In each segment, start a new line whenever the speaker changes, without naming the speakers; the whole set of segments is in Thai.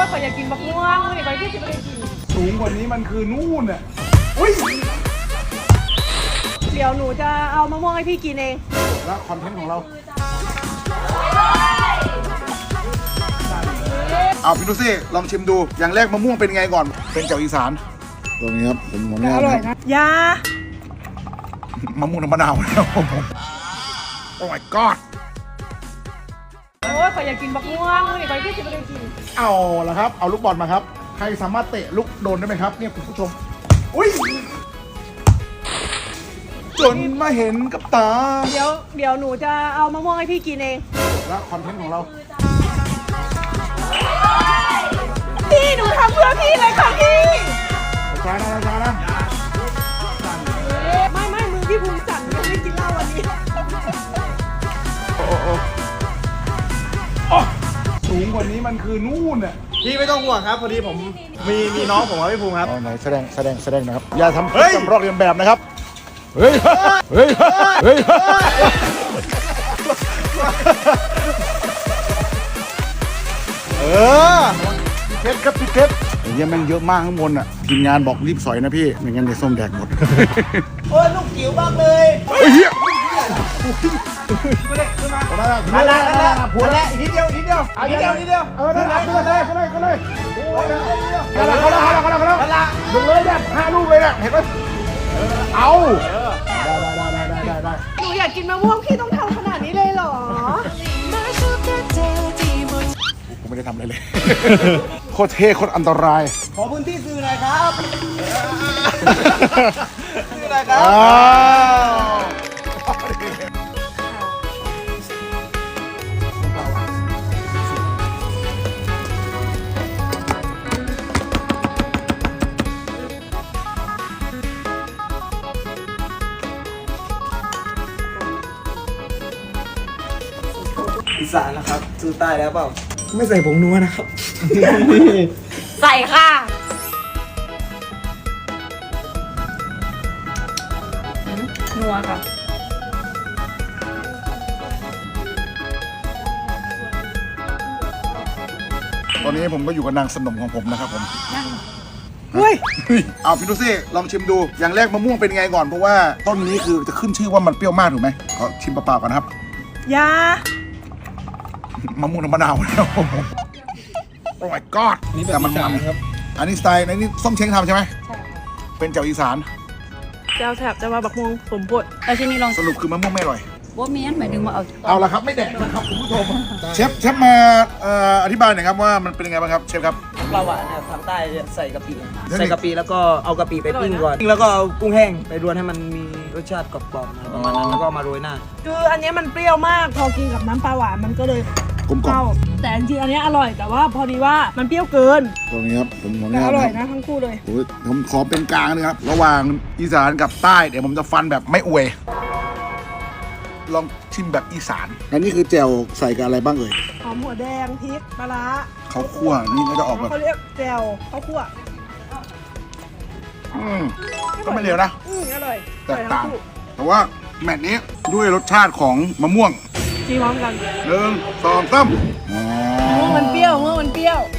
ขอยอยากกินบักม่วงนี่ขอยที่จะไปกิน
สูงกว่านี้มันคือนู่นอ่ะอุ้ย
เดี๋ยวหนูจะเอามะม่วงให้พี่กินเอง
แล้วคอนเทนต์ของเราเอาพี่ดูสิลองชิมดูอย่างแรกมะม่วงเป็นไงก่อนเป็นแจ่วอีสานตรงนี้ครับผมขออนุญาต
อร่อยนะย
มะม่วงน้ำมะนาวนะครับผมโอ้ my god
โอ้ยขอยอยากกินบักม่วงนี่ขอยที่จะไปกิน
เอาละครับเอาลูกบอลมาครับใครสามารถเตะลูกโดนได้ไหมครับเนี่ยคุณผู้ชมอุ้ยจนมาเห็นกับตา
เดี๋ยวหนูจะเอามะม่วงให้พี่กินเอง
แล้วคอนเทนต์ของเรา
พี่หนูทำเพื่อพี่เลยค่ะพี่
ช้านะ
ไม่มือพี่ภูมิสั่นยังไม่กินเหล้าวันนี้
สูงกว่านี้มันคือนู่นอ่ะ
พี่ไม่ต้องห่วงครับพอดีผมมีน้องผมครับพี่ภูมิครับ
ไหนแสดงนะครับอย่าทำจำรอกเรียนแบบนะครับเฮ้ยพี่เพชรครับพี่เพชรเนี่ยมันเยอะมากข้างบนอ่ะทีมงานบอกรีบสอยนะพี่ไม่งั้นเดี๋ยวส้มแดกหมด
โอ้ยลูกจิ๋วมากเลย
เฮ้ยเฮีย
มาละผัวละนิดเดียวนิดเดียวได้เลยดึง
เลยเนี่ย5 ลูกเลยเนี่ยเห็นไหมเอาได้
หนูอยากกินมะม่วงพี่ต้องทำขนาดนี้เลยเหรอ
ผมไม่ได้ทำอะไรเลยโคตรเท่โคตรอันตราย
ขอพื้นที่สื่อหน่อยครับสื่อหน่อยครับอีสานนะครับสู้ใต้แล้วเปล่าไม่ใส่ผงนัวนะครับ
ใส่ค่ะนัวค่ะ
ตอนนี้ผมก็อยู่กับนางสนมของผมนะครับผม
เฮ้ย
เอาพี่ดูสิลองชิมดูอย่างแรกมะม่วงเป็นไงก่อนเพราะว่าต้นนี้คือจะขึ้นชื่อว่ามันเปรี้ยวมากถูกไหมขอชิมเปล่าๆก่อนนะครับมะม่วงน้ำมะนาวนะครับผมโอ้ my god แต่มันครับอันนี้สไตล์ในนี้ส้มเช้งทำใช่ไหมใช่เป็นแจ่วอีสาน
แจ่วแถบจะมาบักม่วงสมบทเอาชิ้นนี้ลอง
สรุปคือมะม่วงไม่อร่อย
ว่ามีอันหมายถึงว่า
เอาละครับไม่แดกนะครับคุณผู้ชมเชฟมาอธิบายหน่อยครับว่ามันเป็นยังไงบ้างครับเชฟครับ
ปลาหวานเนี่ยทางใต้จะใส่กะปิแล้วก็เอากะปิไปปิ้งก่อนแล้วก็เอากุ้งแห้งไปรวนให้มันมีรสชาติกรอบๆประมาณนั้นแล้วก็มาโรยหน้า
คืออันนี้มันเปรี้ยวมากพอกินกับน้ำปลาหวานมันก็เลย
กลมกล่อม
แต่จริงๆอันนี้อร่อยแต่ว่าพอดีว่ามันเปรี้ยวเกิน
ตรงนี้ครับผมขออนุ
ญาตอร่อย
นะ
ทั้งคู่เลย
ผมขอเป็นกลางนะครับระหว่างอีสานกับใต้เดี๋ยวผมจะฟันแบบไม่อวยลองชิมแบบอีสานอันนี้คือแจ่วใส่กับอะไรบ้างเอ่ย
หอมหัวแดงพริกปลาร้า
ข้าวคั่วนี่ก็จะออกแบบ
เขาเรียกแจ่วข้าวคั่ว
ก็ไม่เลวนะ
อร่อย
แตกต่างแต่ว่าแมตช์นี้ด้วยรสชาติของมะม่วง
กินพร้อมกัน
1 2 3
มันเปรี้ยวมันเปรี้ยว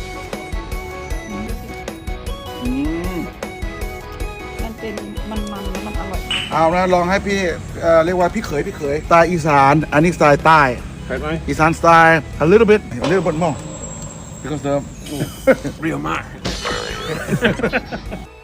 มันเป็นมันแล้วมันอร่อย
เอานะลองให้พี่เรียกว่าพี่เขยสไตล์อีสานอันนี้สไตล์ใต้อีสานสไตล์ a little bit more because the
เปรี้ยวมาก